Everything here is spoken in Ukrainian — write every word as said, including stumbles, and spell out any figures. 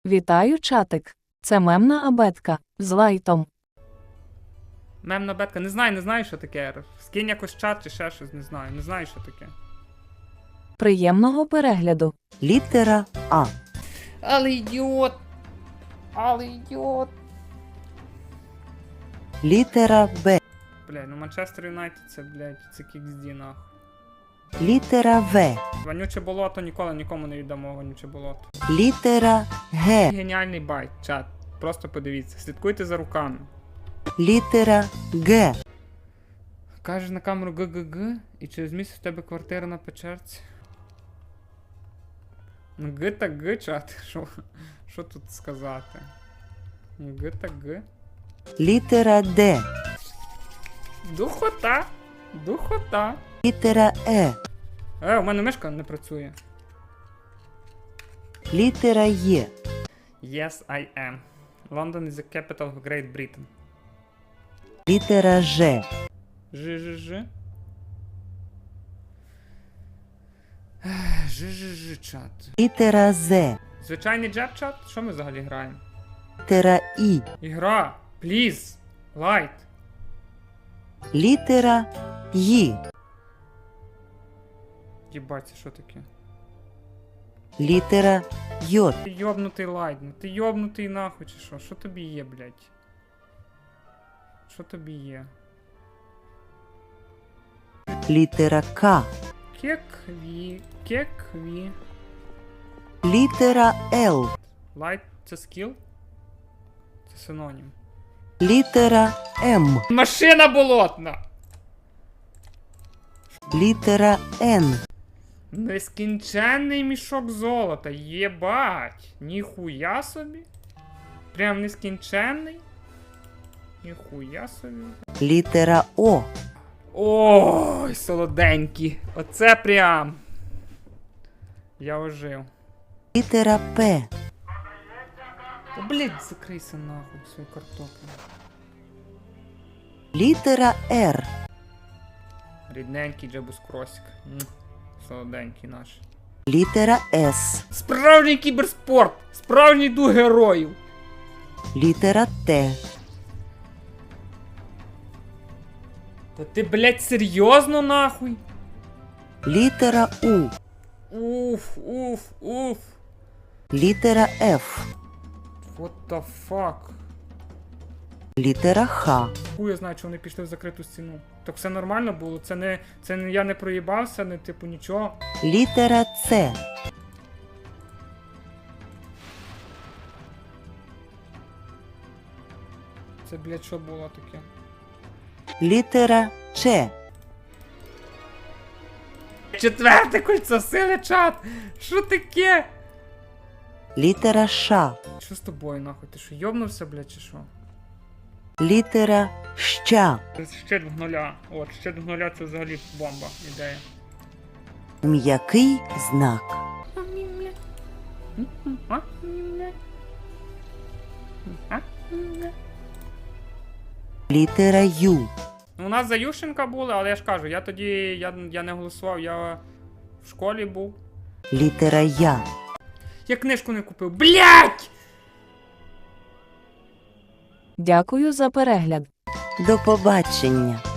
Вітаю, чатик. Це мемна абетка з лайтом. Мемна бетка. Не знаю, не знаю, що таке. Скинь якось чат чи ще щось, не знаю. Не знаю, що таке. Приємного перегляду. Літера А. Але ідіот! Але ідіот! Літера Б. Блядь, ну Манчестер Юнайтед це, блядь, це кіксді, нахуй. Літера В. Вонюче болото ніколи нікому не віддамо вонюче болото. Літера Г. Геніальний байт, чат. Просто подивіться. Слідкуйте за руками. Літера Г. Кажеш на камеру ГГГ, і через місяць в тебе квартира на Печерці. Ну Г та Г, чат. Що, що тут сказати? Ну Г та Г. Літера Д. Духота! Духота! Літера Е. Е, у мене мишка не працює. Літера Є. Yes, I am. London is the capital of Great Britain. Літера Ж. Ж-ж-ж. Ж-ж-ж, чат. Літера З. Звичайний джеб, чат? Що ми взагалі граємо? Літера І. Ігра! Please! Light! Літера Й. Єбать, це що таке? Літера Й. Ти йобнутий лайт, ну ти йобнутий нахуй чи що? Що тобі є, блядь? Що тобі є? Літера К. Кекві, кекві. Літера Л. Лайт це скіл? Це синонім. Літера М. Машина болотна! Літера Н. Нескінченний мішок золота, єбать! Ніхуя собі? Прям нескінченний? Ніхуя собі. Літера О. Ой, солоденькі. Оце прям. Я ожив. Літера П. Та, блядь, закрийся нахуй свою картоплю. Літера Р. Рідненький Джебус Кросік. М, Солоденький наш. Літера С. Справжній кіберспорт! Справжній дух героїв! Літера Т. Та ти, блядь, серйозно нахуй? Літера У. Уф, уф, уф. Літера Ф. What the fuck? Літера Х. Хуй я знаю, що вони пішли в закриту стіну. Так все нормально було? Це не, це не я не проїбався, не типу нічого. Літера С. Це, блядь, що було таке? Літера Ч. Четверте кольцо сили, чат! Що таке? Літера Ш. Що з тобою, нахуй? Ти що, йобнувся, блядь, чи що? Літера Щ. Щит в нуля. От, щит в нуля це взагалі бомба, ідея. М'який знак. Літера Ю. Ну, у нас за Ющенка були, але я ж кажу, я тоді, я, я не голосував, я в школі був. Літера Я. Я книжку не купив. Блядь! Дякую за перегляд. До побачення.